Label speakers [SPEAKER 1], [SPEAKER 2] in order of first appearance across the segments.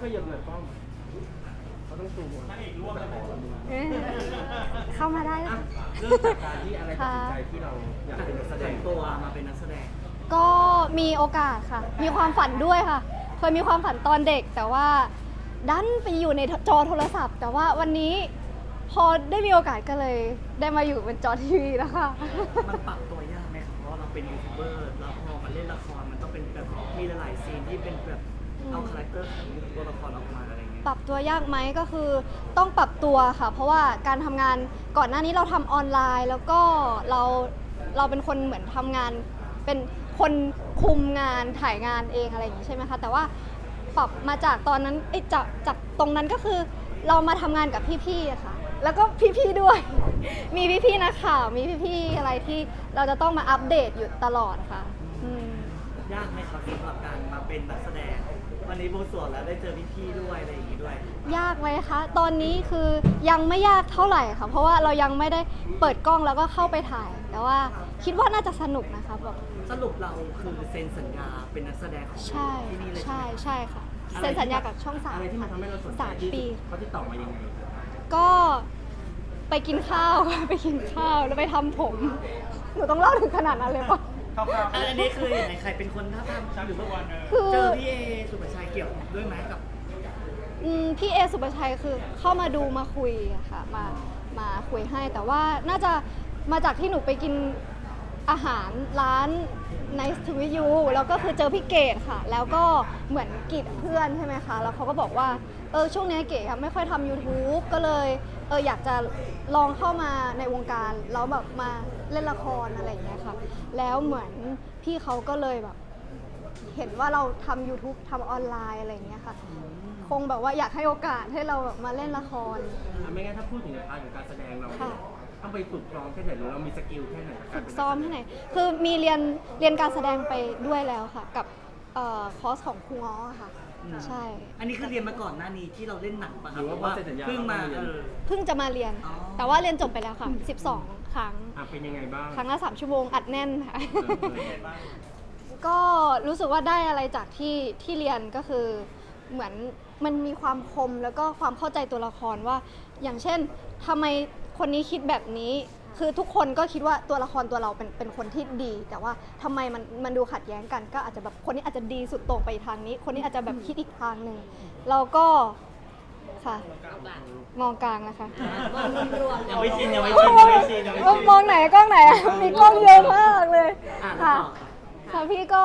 [SPEAKER 1] ยับหน่อยป้อมเขาต้องซูมหัวแต่ขอเราดู
[SPEAKER 2] เข้ามาได้
[SPEAKER 1] อ่ะ
[SPEAKER 2] นะ
[SPEAKER 1] เรื่องจากการที่อะไรตัดสินใจที่เราอยากเป็นนักแสดง
[SPEAKER 3] ตัวมาเป็นนักแสดง
[SPEAKER 2] ก็มีโอกาสค่ะ มีความฝันด้วยค่ะ เคยมีความฝันตอนเด็ก แต่ว่าดันไปอยู่ในจอโทรศัพท์ แต่ว่าวันนี้พอได้มีโอกาสก็เลยได้มาอยู่บนจอทีวีนะคะ
[SPEAKER 3] มันปรับตัวยากไหมครับเพราะว่าเราเป็นยูทูบเบอร์แล้วพอมาเล่นละครมันต้องเป็นแบบมีหลายๆซีนที่เป็นแบบเอาคาแรคเตอร์ของตัวละครออกมาอะไรอย่างเงี้ย
[SPEAKER 2] ปรับตัวยากไหมก็คือต้องปรับตัวค่ะ เพราะว่าการทำงานก่อนหน้านี้เราทำออนไลน์ แล้วก็เราเป็นคนเหมือนทำงานเป็นคนคุมงานถ่ายงานเองอะไรอย่างนี้ใช่ไหมคะแต่ว่าปรับมาจากตอนนั้นจากตรงนั้นก็คือเรามาทำงานกับพี่ๆอะค่ะแล้วก็พี่ๆด้วย มีพี่ๆนักข่าวมีพี่ๆอะไรที่เราจะต้องมาอัปเดตอยู่ตลอดค่ะ
[SPEAKER 3] ยากไหมครับสำหรับการมาเป็นนักแสดงวันนี้บวงสรวงแล้วได้เจอพี่ๆด้วยอะไรอย่างงี้ด้วย
[SPEAKER 2] ยากไหมคะ ตอนนี้คือยังไม่ยากเท่าไหร่ค่ะ เพราะว่าเรายังไม่ได้เปิดกล้องแล้วก็เข้าไปถ่าย แต่ว่าคิดว่าน่าจะสนุกนะคะแบบ
[SPEAKER 3] สรุปเราคือเซ็นสัญญาเป็นนักแสดงของ
[SPEAKER 2] ใช่
[SPEAKER 3] ที่นี่เลย
[SPEAKER 2] ใช่
[SPEAKER 3] ไหม
[SPEAKER 2] ใช่ค่ะ เซ็นสัญญากับช่อง3
[SPEAKER 1] อะไรที่มันทำให้เราสนใจ
[SPEAKER 2] 3 ปี
[SPEAKER 1] เขาติดต่อมายังไง
[SPEAKER 2] ก็ไปกินข้าว ไปกินข้าวแล้วไปทำผม หนูต้องเล่าถึงขนาดนั้นเลยปะ
[SPEAKER 3] อันนี้คืออย่างไรใครเป็นคนท้าทำหรือว่า
[SPEAKER 2] คือ
[SPEAKER 3] เจอพี่เอสุภาชัยเกี่ยวด้วยไหมกับ
[SPEAKER 2] พี่เอสุปชัยคือเข้ามาดูมาคุยอะค่ะมาคุยให้แต่ว่าน่าจะมาจากที่หนูไปกินอาหารร้าน Nice to meet you แล้วก็คือเจอพี่เกดค่ะ แล้วก็เหมือนกีดเพื่อนใช่ไหมคะแล้วเขาก็บอกว่าช่วงนี้เกดไม่ค่อยทำ YouTube ก็เลยอยากจะลองเข้ามาในวงการแล้วแบบมาเล่นละครอะไรอย่างเงี้ยค่ะแล้วเหมือนพี่เขาก็เลยแบบเห็นว่าเราทำ YouTube ทำออนไลน์อะไรอย่างเงี้ยค่ะคงแบบว่าอยากให้โอกาสให้เราแบบมาเล่นละคร
[SPEAKER 1] ไม่งั้นถ้าพูดถึงในพาร์ทของการแสดงเรา
[SPEAKER 2] ค่ะ
[SPEAKER 1] ต้องไปฝึกซ้อมแค่ไหนหรือเรามีสกิลแค่ไหน
[SPEAKER 2] ฝึกซ้อมที่ไหน คือมีเรียนการแสดงไปด้วยแล้วค่ะ กับคอร์สของครูง้อค่ะ ใช่
[SPEAKER 3] อันนี้คือเรียนมาก่อนหน้านี้ที่เราเล่นหนังปะค
[SPEAKER 1] ห
[SPEAKER 3] รับ
[SPEAKER 1] รือว่าพอเซ็นสัญญา
[SPEAKER 3] เพิ่งมา
[SPEAKER 2] เพิ่งจะมาเรียน
[SPEAKER 3] อ๋อ
[SPEAKER 2] แต่ว่าเรียนจบไปแล้วค่ะ 12 ครั้ง
[SPEAKER 1] เป็นยังไงบ้าง
[SPEAKER 2] ครั้งละ3 ชั่วโมงอัดแน่นค่ะ ก็รู้สึกว่าได้อะไรจากที่เรียนก็คือเหมือนมันมีความคมแล้วก็ความเข้าใจตัวละครว่า อย่างเช่นทำไมคนนี้คิดแบบนี้ คือทุกคนก็คิดว่าตัวละครตัวเราเป็นคนที่ดี แต่ว่าทำไมมันดูขัดแย้งกัน ก็อาจจะแบบคนนี้อาจจะดีสุดโต่งไปอีกทางนี้ คนนี้อาจจะแบบคิดอีกทางหนึ่งเราก็ค่ะมองกลางนะคะ
[SPEAKER 3] ยังไม่ชินยังไม่ชินยังไม่ชินยังไม่ชิน
[SPEAKER 2] มองไหนกล้องไหนอะมีกล้องเยอะมากเลย
[SPEAKER 3] อ่ะ
[SPEAKER 2] ค่ะ
[SPEAKER 3] ต่อ
[SPEAKER 2] ค่ะพี่ก็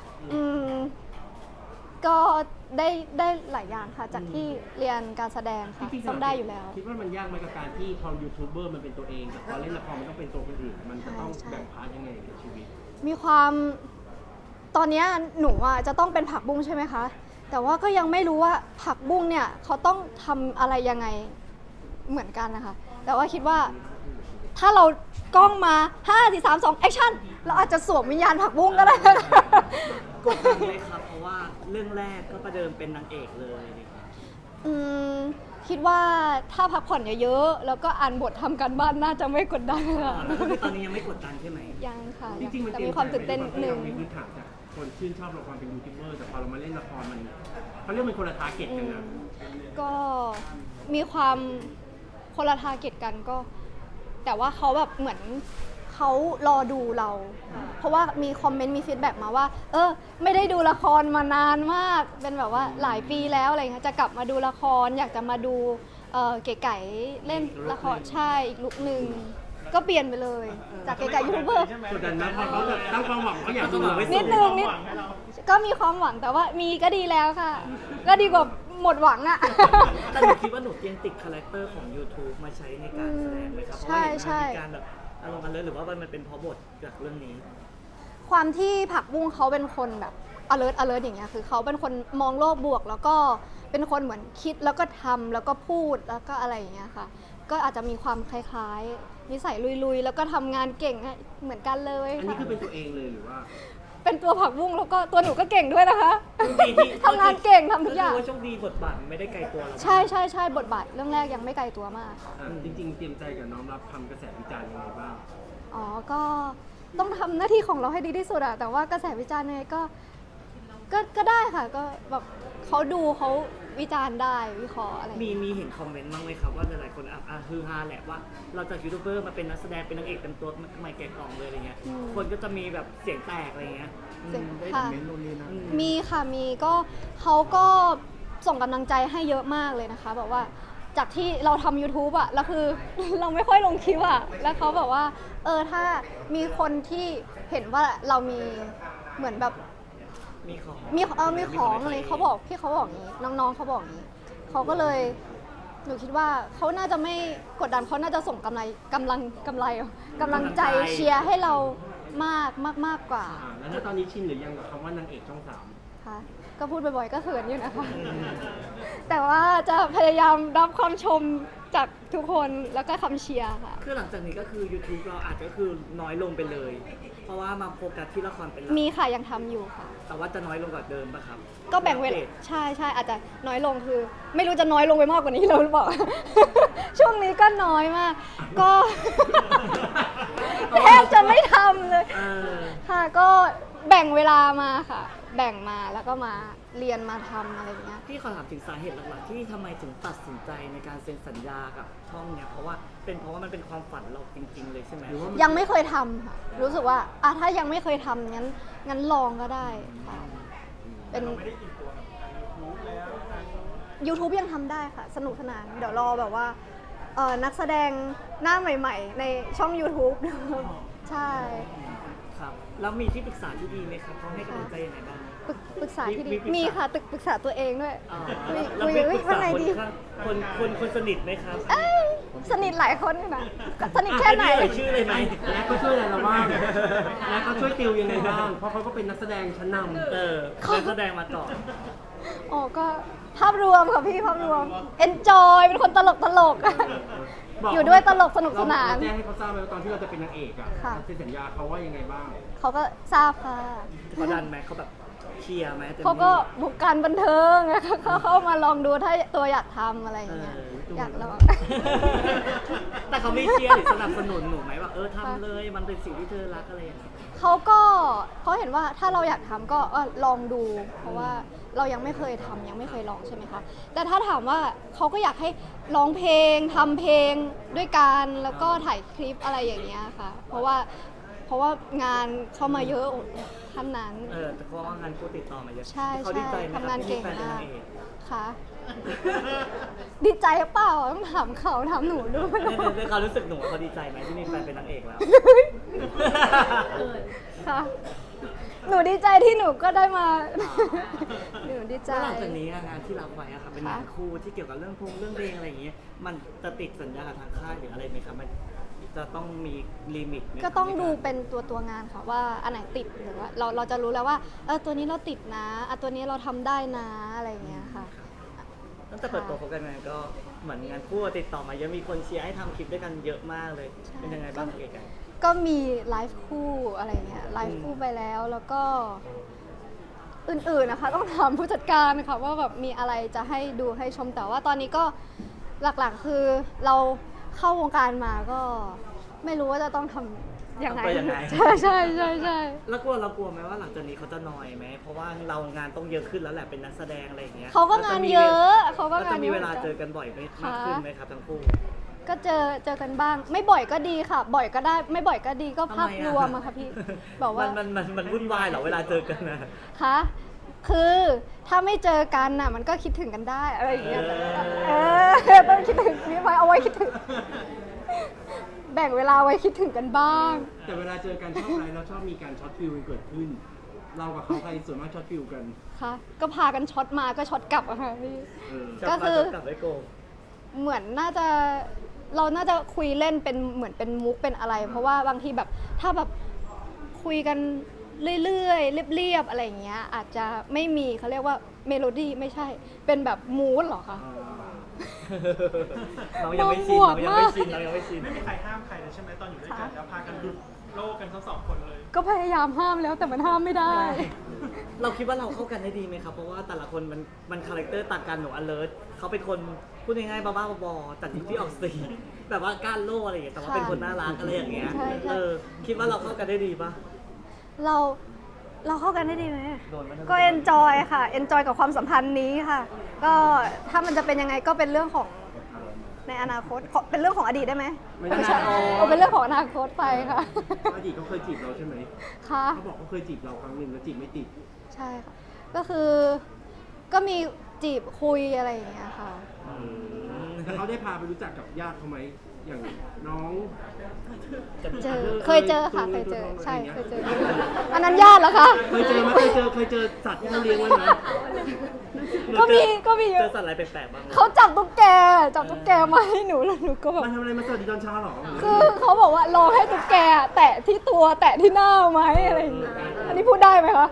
[SPEAKER 2] ก็ได้หลายอย่างค่ะ จากที่เรียนการแสดงค่ะ
[SPEAKER 1] พี่ๆ
[SPEAKER 2] ต้องได้อยู่แล้ว
[SPEAKER 1] คิดว่ามันยากไหมกับการที่พอยูทูบเบอร์มันเป็นตัวเองแต่พอเล่นละครมันต้องเป็นตัวคนอื่นมันจะต้อง
[SPEAKER 2] ใช่
[SPEAKER 1] แบ่งพาร์ทยังไงกับชีวิต
[SPEAKER 2] มีความตอนเนี้ยหนูอ่ะจะต้องเป็นผักบุ้งใช่ไหมคะ แต่ว่าก็ยังไม่รู้ว่าผักบุ้งเนี่ยเขาต้องทำอะไรยังไงเหมือนกันนะคะ แต่ว่าคิดว่าถ้าเรากล้องมา5 4 3 2แอคชั่นเราอาจจะสวมวิญญาณผักบุ้งก็ได้นะคะ
[SPEAKER 3] กดดันไหมครับเพราะว่าเรื่องแรกก็ประเดิมเป็นนางเอกเลย
[SPEAKER 2] คิดว่าถ้าพักผ่อนเยอะๆแล้วก็อ่านบททำการบ้านน่าจะไม่กดดันค่ะ
[SPEAKER 3] แล้วก็คือตอนนี้ยังไม่กดดันใช่ไหม
[SPEAKER 2] ยังค่ะ
[SPEAKER 1] จริงๆมัน
[SPEAKER 2] แต่
[SPEAKER 1] เตรีย
[SPEAKER 2] มีความตื่นเต้นนิดนึง
[SPEAKER 1] เรามีพื้นฐานจากคนชื่นชอบละครเป็นยูทูบเบอร์แต่พอเรามาเล่นละครมันเขาเรียกมันคนละทาร์เก็ตกันนะ
[SPEAKER 2] ก็มีความคนละทาร์เก็ตกันก็ แต่ว่าเขาแบบเหมือนเขารอดูเรา เพราะว่ามีคอมเมนต์มีฟีดแบ็กมาว่าไม่ได้ดูละครมานานมากเป็นแบบว่าหลายปีแล้วอะไรเงี้ยจะกลับมาดูละครอยากจะมาดูเก๋ไก่เล่นละครใช่อีกลุคหนึ่งก็เปลี่ยนไปเลย จากเก๋ไก่ยูทูบเบอร์
[SPEAKER 1] กดดันนะพอเขาแบบตั้งความหวังเขาอยากดู
[SPEAKER 2] นิดนึงก็มีความหวังแต่ว่ามีก็ดีแล้วค่ะ ก็ดีกว่าหมดหวังอะ
[SPEAKER 3] แต่หนูคิดว่าหนูยังติดคาแรคเตอร์ของ YouTube มาใช้ในการแสดงไหมครับเพราะว่าเห็นมันมีการแบบอารมณ์กันเลยหรือว่ามันเป็นเพราะบทจากเรื่องนี้
[SPEAKER 2] ความที่ผักบุ้งเขาเป็นคนแบบ alert อย่างเงี้ยคือเขาเป็นคนมองโลกบวก แล้วก็เป็นคนเหมือนคิดแล้วก็ทำแล้วก็พูดแล้วก็อะไรอย่างเงี้ยค่ะ ก็อาจจะมีความคล้ายๆนิสัยลุยๆแล้วก็ทำงานเก่งเหมือนกันเลย
[SPEAKER 1] อันนี้
[SPEAKER 2] ค่ะ
[SPEAKER 1] คือเป็นตัวเองเลยหรือว่า
[SPEAKER 2] เป็นตัวผักบุ้งแล้วก็ตัวหนูก็เก่งด้วยนะคะ
[SPEAKER 3] โชคดีที่
[SPEAKER 2] ทำงานเก่งทำทุกอย่าง
[SPEAKER 3] ก็คือว่าโชคดีบทบาทไม่ได้ไกลตัวเรา
[SPEAKER 2] ใช่บทบาทเรื่องแรกยังไม่ไกลตัวมากค่ะ
[SPEAKER 1] จริงๆเตรียมใจกับน้อมรับคำกระแสวิจารณ์ยังไงบ้าง
[SPEAKER 2] อ๋อ ก็ต้องทำหน้าที่ของเราให้ดีที่สุดอะแต่ว่ากระแสวิจารณ์ยังไงก็ได้ค่ะ ก็แบบเขาดูเขาวิจารณ์ได้วิเคราะห์อะไรอย่าง
[SPEAKER 3] มี
[SPEAKER 2] เงี้ย
[SPEAKER 3] มีเห็นคอมเมนต์บ้างไหมครับว่าหลายๆคนฮือฮาแหละว่าเราจากยูทูบเบอร์มาเป็นนักแสดงเป็นนางเอกเต็มตัวใหม่แกะกล่องเลยอะไรเงี้ยคนก็จะมีแบบเสียงแตกอะไรเงี้ย
[SPEAKER 2] เสียง
[SPEAKER 3] ได้
[SPEAKER 2] ค่ะ
[SPEAKER 3] คอมเมนต์นู่นนี่นั่น
[SPEAKER 2] มีค่ะมีก็เขาก็ส่งกำลังใจให้เยอะมากเลยนะคะแบบว่าจากที่เราทำ YouTube อะแล้วคือ เราไม่ค่อยลงคลิปอะแล้วเขาบอกว่าถ้ามีคนที่เห็นว่าเรามีเหมือนแบบ
[SPEAKER 3] มีของ
[SPEAKER 2] มีของอะไรเขาบอกพี่เขาบอกอย่างนี้น้องๆเขาบอกอย่างนี้เขาก็เลยหนูคิดว่าเขาน่าจะไม่กดดันเขาน่าจะส่งกำลังใจเชียร์ให้เรามากกว่า
[SPEAKER 1] แล้วณตอนนี้ชินหรือยังกับคำว่านางเอกช่องสาม
[SPEAKER 2] ค่ะก็พูดบ่อยๆก็เขินอยู่นะคะ แต่ว่าจะพยายามรับความชมจากทุกคนแล้วก็คำเชียร์ค่ะ
[SPEAKER 3] คือหลังจากนี้ก็คือ YouTube เราอาจจะคือน้อยลงไปเลย เพราะว่ามาโฟกัสที่ละครเป็นหลัก
[SPEAKER 2] มีค่ะยังทำอยู่ค่ะ
[SPEAKER 3] แต่ว่าจะน้อยลงกว่าเดิมป่ะครับ
[SPEAKER 2] ก็แบ่งเวลา
[SPEAKER 3] อัปดต
[SPEAKER 2] ใช่อาจจะน้อยลงคือ ไม่รู้จะน้อยลงไปมากกว่านี้แล้วหรือเปล่า ช่วงนี้ก็น้อยมาก ก็ แทบจะไม่ทำเลย
[SPEAKER 3] เออ
[SPEAKER 2] ค่ะก็แบ่งเวลามาค่ะ แบ่งมาแล้วก็มาเรียนมาทำอะไรอย่างเงี้ย
[SPEAKER 3] พี่ขอถามถึงสาเหตุหลักๆที่ทำไมถึงตัดสินใจในการเซ็นสัญญากับช่องเนี่ยเพราะว่ามันเป็นความฝันเราจริงๆเลยใช่ไหม
[SPEAKER 1] หรือว่า
[SPEAKER 2] ยังไม่เคยทำค่ะ รู้สึกว่าถ้ายังไม่เคยทำงั้นลองก็ได้ค่ะ เป็น YouTube ยังทำได้ค่ะ สนุกสนาน เดี๋ยวรอแบบว่านักแสดงหน้าใหม่ๆ ในช่อง YouTube ใช่
[SPEAKER 3] ครับแล้วมีที่ปรึกษาที่ดีไหมครับเขาให้กำลังใจยังไงบ้าง
[SPEAKER 2] ปรึกษาที่ดี
[SPEAKER 3] มีปรึกษามี
[SPEAKER 2] มีค่ะปรึกษาตัวเองด้วย
[SPEAKER 3] อ๋อ
[SPEAKER 2] คุย
[SPEAKER 3] แล้วมีปรึก
[SPEAKER 2] ว่า
[SPEAKER 3] ษา
[SPEAKER 2] ไง
[SPEAKER 3] คน
[SPEAKER 2] ดี
[SPEAKER 3] ข้างคนสนิทไหมครับ
[SPEAKER 2] เอ้ยสนิทหลายคนอยู่นะสนิทแค่ไหน
[SPEAKER 3] เอ่ยชื่อเลยไหม
[SPEAKER 1] และก็ช่วยอะไรเราบ้างและเขาช่วยติวยังไงบ้าง เพราะเขาก็เป็นนักแสดงชั้นนำ
[SPEAKER 3] นักแสดงมาก่อน
[SPEAKER 2] อ๋อก็ภาพรวมค่ะพี่ภาพรวม enjoy เป็นคนตลก อยู่ด้วยตลกสนุกสนาน
[SPEAKER 1] เราแจ้งให้เขาทราบไหมว่าตอนที่เราจะเป็นนางเอกอะ
[SPEAKER 2] ค่ะ
[SPEAKER 1] เซ็นสัญญาเขาว่ายังไงบ้าง
[SPEAKER 2] เขาก็ทราบค่ะ
[SPEAKER 3] เขาดันไหมเขาแบบเชียร์ไหมต็มที่
[SPEAKER 2] เขาก็บุกการบันเทิง เขาเข้ามาลองดูถ้าตัวอยากทำอะไรอย่างเงี้ย อยากลอง
[SPEAKER 3] แต่เขาไม่เชียร์หรือสนับสนุนหนูไหมว่าทำเลยมันเป็นสิ่งที่เธอรักอะไรอย่างเงี้ย
[SPEAKER 2] เขาเห็นว่าถ้าเราอยากทำก็ลองดู เพราะว่าเรายังไม่เคยทำยังไม่เคยลองใช่ไหมคะแต่ถ้าถามว่าเขาก็อยากให้ร้องเพลงทำเพลงด้วยกันแล้วก็ถ่ายคลิปอะไรอย่างเงี้ยค่ะ เพราะว่างานเข้ามาเยอะท่านนั้น
[SPEAKER 3] แต่เพราะว่างานคู่ติดต่อมาเยอะ
[SPEAKER 2] ใช่
[SPEAKER 3] เขาดีใจไหมครับ
[SPEAKER 2] ทำงานเก่ง
[SPEAKER 3] ที่มีแฟนเป็น
[SPEAKER 2] มาก
[SPEAKER 3] นางเอก
[SPEAKER 2] ค่ะ ดีใจเปล่าต้องถามเขาถามหนูด้วย
[SPEAKER 3] ในความรู้สึกหนูเขาดีใจไหมที่มีแฟนเป็นนางเอกแล้ว
[SPEAKER 2] ค่ะ หนูดีใจที่หนูก็ได้มา หนูดีใจ
[SPEAKER 3] แล้วหลังจากนี้งานที่รับไว้อะค่ะเป็นงานคู่ที่เกี่ยวกับเรื่องเพลงอะไรอย่างเงี้ยมันจะติดสัญญากับทางค่ายหรืออะไรไหมครับมันจะต้องมีลิมิตไหมครับ
[SPEAKER 2] ก็ต้องดูเป็นตัวงานค่ะว่าอันไหนติดหรือว่าเราจะรู้แล้วว่าตัวนี้เราติดนะตัวนี้เราทำได้นะอะไรอย่างเงี้ยค่ะ
[SPEAKER 3] ตั้งแต่เปิดตัวคบกันมาก็เหมือนงานคู่ติดต่อมาเยอะมีคนเชียร์ให้ทำคลิปด้วยกันเยอะมากเลย
[SPEAKER 2] ใช่
[SPEAKER 3] เป็นยังไงบ้างเก๋ไก่
[SPEAKER 2] ก็มีไลฟ์คู่อะไรเงี้ยไลฟ์คู่ไปแล้วก็อื่นๆนะคะ ต้องถามผู้จัดการค่ะว่าแบบมีอะไรจะให้ดูให้ชมแต่ว่าตอนนี้ก็หลักๆคือเราเข้าวงการมาก็ไม่รู้ว่าจะต้องทำยังไง
[SPEAKER 3] ทำตัวยังไง
[SPEAKER 2] ใช่
[SPEAKER 3] แล้วเรากลัวไหมว่าหลังจากนี้เขาจะนอยไหมเพราะว่าเรางานต้องเยอะขึ้นแล้วแหละเป็นนักแสดงอะไรอย่างเงี้ย
[SPEAKER 2] เขาก็งานเยอะเขาก็
[SPEAKER 3] แล้ว
[SPEAKER 2] งา
[SPEAKER 3] จะ
[SPEAKER 2] น
[SPEAKER 3] มี
[SPEAKER 2] เยอะ
[SPEAKER 3] เวลาเจอกันบ่อยมากขึ้นไหมครับทั้งคู่
[SPEAKER 2] ก็เจอกันบ้าง ไม่บ่อยก็ดีค่ะ บ่อยก็ได้ ไม่บ่อยก็ดีก็ภาพรวมอะค่ะพี่บอกว่า
[SPEAKER 3] มันวุ่นวายเหรอเวลาเจอกันนะ
[SPEAKER 2] คะคือถ้าไม่เจอกันน่ะมันก็คิดถึงกันได้อะไรอย่างเงี้ยต้องคิดถึงนี่ไว้เอาไว้คิดถึง แบ่งเวลาไว้คิดถึงกันบ้าง
[SPEAKER 1] แต่เวลาเจอกันชอบอะไรเราชอบมีการช็อตฟิลเกิดขึ้น เรากับเขาใครส่วนมากช็อตฟิลกัน
[SPEAKER 2] ค่ะ ก็พากันช็อตมาก็ช็อตกลับอะค่ะพี่
[SPEAKER 1] เออ
[SPEAKER 2] ก็คือ
[SPEAKER 3] กลับไปโกง
[SPEAKER 2] เหมือนเราน่าจะคุยเล่นเป็นเหมือนเป็นมุกเป็นอะไร เพราะว่าบางทีแบบถ้าแบบคุยกันเรื่อยๆเรียบๆอะไรอย่างเงี้ยอาจจะไม่มีเขาเรียกว่าเมโลดี้ไม่ใช่เป็นแบบมูดเหรอคะ
[SPEAKER 3] เรายังไม่ชิน
[SPEAKER 2] บวก
[SPEAKER 3] เรายังไม่ชินเรายังไม่ชิน
[SPEAKER 4] ไม่มีใครห้ามใครเลยใช่ไหมตอนอยู่ด้วยกันแล้วพากันหลุดโลกกันทั้งสองคนเลย
[SPEAKER 2] ก็พยายามห้ามแล้วแต่มันห้ามไม่ได้
[SPEAKER 3] เราคิดว่าเราเข้ากันได้ดีไหมครับ เพราะว่าแต่ละคนมันคาแรคเตอร์ต่างกันหนู alert เขาเป็นคนพูดง่ายๆบ้าๆบอๆแต่ที่ออกสีแบบว่าก้านโล่อะไรอย่างเงี้ยแต่ว่าเป็นคนน่ารักอะไรอย่างเงี้ย
[SPEAKER 2] ใช่
[SPEAKER 3] คิดว่าเราเข้ากันได้ดีปะ
[SPEAKER 2] เราเราเข้ากันได้ดีไหม
[SPEAKER 3] โดนไหม
[SPEAKER 2] ก็เอนจอยค่ะเอนจอยกับความสัมพันธ์นี้ค่ะ ก็ถ้ามันจะเป็นยังไงก็เป็นเรื่องของในอนาคตเป็นเรื่องของอดีตได้ไหม
[SPEAKER 1] ไม่ได้
[SPEAKER 2] ใช่เป็นเรื่องของอนาคตไปค่ะ
[SPEAKER 1] อดีตเขาเคยจีบเราใช่ไหม
[SPEAKER 2] ค่ะ
[SPEAKER 1] เขาบอกเขาเคยจีบเราครั้งหนึ่งแล้วจีบไม่ติด
[SPEAKER 2] ใช่ค่ะ ก็คือก็มีจีบคุยอะไรอย่างเงี้ยค่ะ
[SPEAKER 1] แต่เขาได้พาไปรู้จักกับญาติเขาไหมอย่างน้อง
[SPEAKER 2] เจอเคยเจอค่ะเคยเจอใช่เคยเจออันนั้นญาติเหรอคะ
[SPEAKER 1] เคยเจอไหมเคยเจอสัตว์ที่เขาเลี้ยงไว้ไหม
[SPEAKER 2] ก็มีเย
[SPEAKER 3] เจ
[SPEAKER 2] อะ
[SPEAKER 3] อสัตว์อะไรแปลกๆบ้างไหม
[SPEAKER 2] เขาจับตุ๊กแกมาให้หนูแล้วหนูก็แบบ
[SPEAKER 1] มาทำอะไรมาสวัสดีตอนเช้าเหรอ
[SPEAKER 2] คือเขาบอกว่าลองให้ตุ๊กแกแตะที่ตัวแตะที่หน้าไหมอะไรอย่างเงี้ยอันนี้พูดได้ไหมคะ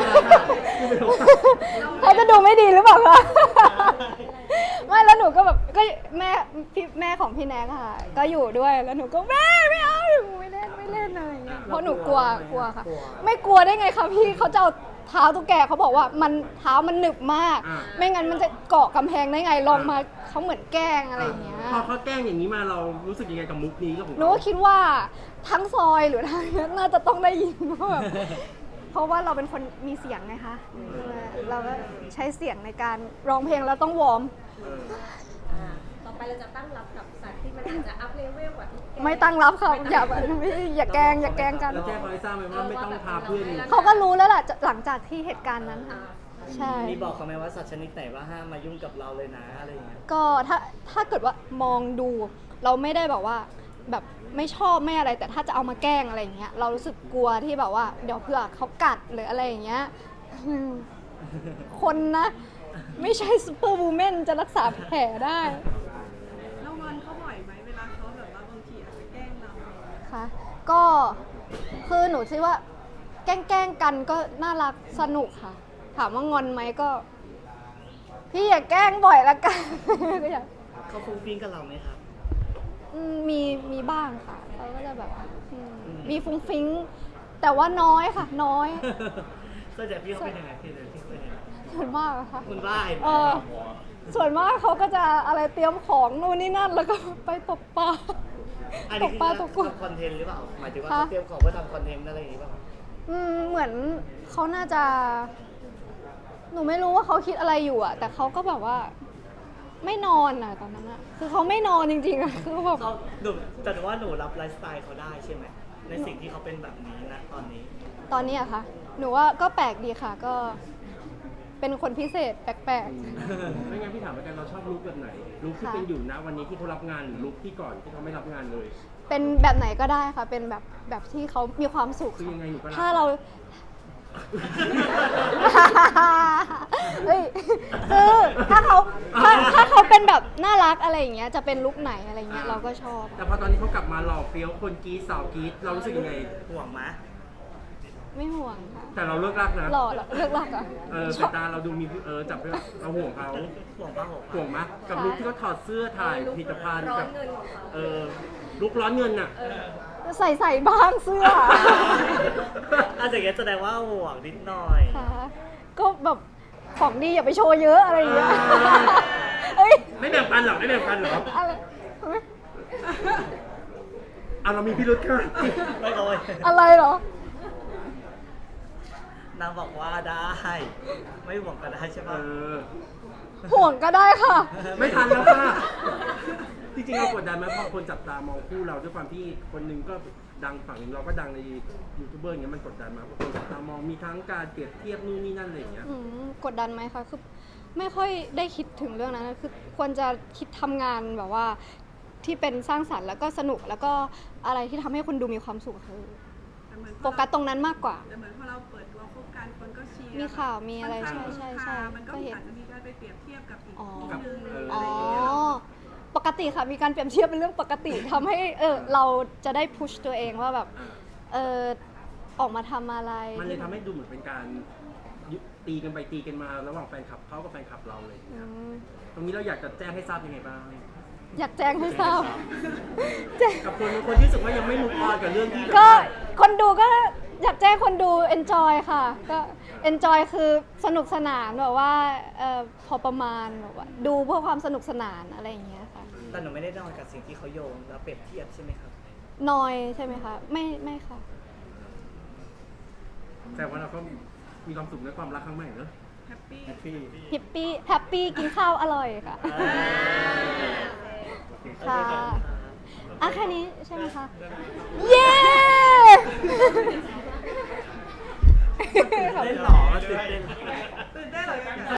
[SPEAKER 2] เขาจะดูไม่ดีหรือเปล่าคะไม่แล้วหนูก็แบบก็แม่ของพี่แนกค่ะ ก็อยู่ด้วยแล้วหนูก็แม่ไม่เอาหนูไม่เล่นอะไรอย่างเงี้ยเพราะหนูกลัวค่ะ ไม่กลัวได้ไงคะพี่เขาจะเอาเท้าตุ๊กแกเขาบอกว่ามันเท้ามันหนึบมาก ไม่งั้นมันจะเกาะกำแพงได้ไงลองมาเขาเหมือนแกล้งอะไรอย่างเงี้ย
[SPEAKER 1] พอเขาแกล้งอย่างนี้มาเรารู้สึกยังไงกับมุกนี้กับผม
[SPEAKER 2] หนูก็คิดว่าทั้งซอยหรือทางนี้น่าจะต้องได้ยินว่าแบบเพราะว่าเราเป็นคนมีเสียงไงคะเราก็ใช้เสียงในการร้องเพลงแล้วต้องวอร์ม
[SPEAKER 5] ต่อไปเราจะตั้งรับกับสัตว์ที่มันอาจจะอัพเลเวลกว่าทุกแก
[SPEAKER 2] ไม่ตั้งรับค่ะอย่าแกล้งกัน
[SPEAKER 1] แล้วแจ้งเขาให้ทราบไหมว่าไม่ต้องพาเพื่อน
[SPEAKER 2] เขาก็รู้แล้วแหละหลังจากที่เหตุการณ์นั้นค่ะใช่
[SPEAKER 3] มีบอกเขาไหมว่าสัตว์ชนิดไหนว่าห้ามมายุ่งกับเราเลยนะอะไรอย่างเงี้ย
[SPEAKER 2] ก็ถ้าเกิดว่ามองดูเราไม่ได้แบบว่าแบบไม่ชอบไม่อะไร แต่ถ้าจะเอามาแกล้งอะไรอย่างเงี้ยเรารู้สึกกลัวที่แบบว่าเดี๋ยวเผื่อเขากัดหรืออะไรอย่างเงี้ยคนนะ ไม่ใช่ซูเปอร์วูแมนจะรักษาแผลได้
[SPEAKER 5] แล้วงอนเขาบ่อยไหมเวลาเขาแบบว่าบางทีอาจจะแกล้งเรา
[SPEAKER 2] ค่ะก็คือหนูคิดว่าแกล้งกันก็น่ารักสนุกค่ะ ถามว่างอนไหมก็ พี่อย่าแกล้งบ่อยละกัน ก็อยาก
[SPEAKER 3] เขาฟุ้งฟิ้งกับเราไหมครับ
[SPEAKER 2] มีบ้างค่ะเขาก็จะแบบมีฟุ้งฟิ้งแต่ว่าน้อยค่ะ น้อย
[SPEAKER 3] ส่วนใหญ่พี่เขาเป็นยังไงพี่เขาเป็นยังไง
[SPEAKER 2] ส่วนมากอะค่ะ
[SPEAKER 3] คุณบ้าเห็นไหม
[SPEAKER 2] ส่วนมากเขาก็จะอะไรเตรียมของนู่นนี่นั่นแล้วก็ไปตกปลา
[SPEAKER 3] อัน
[SPEAKER 2] ต
[SPEAKER 3] นี้
[SPEAKER 2] ก
[SPEAKER 3] คือ
[SPEAKER 2] ปลาตกกุ้ง
[SPEAKER 3] ทำคอนเทนต์หรือเปล่าหมายถึงว่า
[SPEAKER 2] คะ
[SPEAKER 3] เขาเตรียมของเพื่อทำคอนเทนต์อะไรอย่างงี้เปล่า
[SPEAKER 2] เหมือนเขาน่าจะ หนูไม่รู้ว่าเขาคิดอะไรอยู่อะแต่เขาก็แบบว่า ไม่นอนอะตอนนั้นอะคือเขาไม่นอนจริงๆอะคือแบบ
[SPEAKER 3] เขาแต่ว่าหนูรับไลฟ์สไตล์เขาได้ใช่ไหมในสิ่งที่เขาเป็นแบบนี้นะตอนนี้
[SPEAKER 2] ตอนนี้อะค่ะ หนูว่าก็แปลกดีค่ะ ก็เป็นคนพิเศษแปลก
[SPEAKER 1] ไม่งั้นพี่ถามแล้วกันเราชอบลุคแบบไหนลุคที่เป็นอยู่นะวันนี้ที่เขารับงานหรือลุคที่ก่อนที่เขาไม่รับงานเลย
[SPEAKER 2] ๆเป็นแบบไหนก็ได้ค่ะ เป็นแบบที่เขามีความสุข
[SPEAKER 1] คือ
[SPEAKER 2] ค่ะ
[SPEAKER 1] ยังไงหนูก็รับ
[SPEAKER 2] ถ้าเรา เฮ้ยคือถ้าเขาเป็นแบบน่ารักอะไรอย่างเงี้ยจะเป็นลุคไหนอะไรเงี้ยเราก็ชอบ
[SPEAKER 1] แต่พอตอนนี้เขากลับมาหล่อเฟี้ยวคนกรีดสาวกรีดเรารู้สึกยังไง
[SPEAKER 3] ห่วงไหม
[SPEAKER 2] ไม่ห่วงค่ะ
[SPEAKER 1] แต่เราเลิกรักนะ
[SPEAKER 2] หล่อเหรอเลือกรักอ่ะ
[SPEAKER 1] สายตาเราดูมีจับไปเราห่วงเขา
[SPEAKER 3] ห่วงป้าห่วง
[SPEAKER 1] ห่วงมะกับลุคที่เขาถอดเสื้อถ่ายผลิตภัณฑ์
[SPEAKER 5] ร้อ
[SPEAKER 1] กัน บ
[SPEAKER 5] เงินของเขา
[SPEAKER 1] ลุคร้อนเงินน่ะ
[SPEAKER 2] ใส่บ้างเสื้อ
[SPEAKER 3] อาจจะอย่างเงี้ยแสดงว่าห่วงนิดหน่อย
[SPEAKER 2] ค่ะก็แบบของดีอย่าไปโชว์เยอะอะไรอย่างเงี้ยเอ้ย
[SPEAKER 1] ไม่แบ่งปันหรอไม่แบ่งปันหรอ
[SPEAKER 2] อะไร
[SPEAKER 1] เรามีพิรุธค่ะ
[SPEAKER 3] ไม่เลย
[SPEAKER 2] อะไรเหรอ
[SPEAKER 3] นางบอกว่าได้ ไม่ห่วงก็ได้ใช่ปะ
[SPEAKER 2] ห่วงก็ได้ค่ะ
[SPEAKER 1] ไม่ทันแล้วค่ะจริงๆเรากดดันไหมเพราะคนจับตามองคู่เราด้วยความที่คนหนึงก็ดังฝั่งหนึงเราก็ดังในยูทูบเบอร์อย่างเงี้ยมันกดดันมาเพราะคนจับตามองมีทั้งการเปรียบเทียบนู่นนี่นั่นอะไรอย่างเงี้ย
[SPEAKER 2] กดดันไหมคะคือไม่ค่อยได้คิดถึงเรื่องนั้นนะคือควรจะคิดทำงานแบบว่าที่เป็นสร้างสรรค์แล้วก็สนุกแล้วก็อะไรที่ทำให้คนดูมีความสุขคือ
[SPEAKER 5] แต่เหมือน
[SPEAKER 2] โฟกัสตรงนั้นมากกว่า
[SPEAKER 5] แต่เหมือนพอเราเปิดตัวคบกันคนก็เชียร์
[SPEAKER 2] มีข่าวมีอะไร
[SPEAKER 5] ค่นข้าง
[SPEAKER 2] ใช่
[SPEAKER 5] มันก็
[SPEAKER 2] ก็เห็น
[SPEAKER 5] อาจจะมีการไปเปรียบเทียบกับอีก
[SPEAKER 2] อ๋อ
[SPEAKER 5] คู่นึงหรือ
[SPEAKER 2] อ๋
[SPEAKER 5] อะ
[SPEAKER 2] อ
[SPEAKER 5] ไรอย่างเงี้ย
[SPEAKER 2] ปกติค่ะมีการเปรียบเทียบเป็นเรื่องปกติทำให้เราจะได้พุชตัวเองว่าแบบออกมาทำอะไร
[SPEAKER 1] มันเลยทำให้ดูเหมือนเป็นการตีกันไปตีกันมาระหว่างแฟนคลับเขากับแฟนคลับเราเลย
[SPEAKER 2] อืม
[SPEAKER 1] ตรงนี้เราอยากจะแจ้งให้ทราบยังไงบ้าง
[SPEAKER 2] อยากแจ้งให้ทราบแจ้ง
[SPEAKER 1] กับคนที่รู้สึกว่ายังไม่มุกออนกับเรื่องที่
[SPEAKER 2] ก็คนดูก็อยากแจ้งคนดู enjoy ค่ะ ก็ enjoy คือสนุกสนานแบบว่าพอประมาณแบบว่าดูเพื่อความสนุกสนานอะไรอย่างเงี้ยค่ะ
[SPEAKER 3] แต่หนูไม่ได้นอนกับสิ่งที่เขาโยงแล้วเปรียบเทียบใช่ไหมครับ
[SPEAKER 2] นอยใช่ไหมคะไม่ค่ะ
[SPEAKER 1] แต่ว่าเราก็มีความสุขในความรักครั้งใหม่เนอะ
[SPEAKER 3] แฮปปี้
[SPEAKER 2] แฮปปี้กินข้าวอร่อยค่ะ ค่ะอ่ะแค่นี้ใช่ไหมคะ เย้
[SPEAKER 3] เล่นหรอตื่นเต้น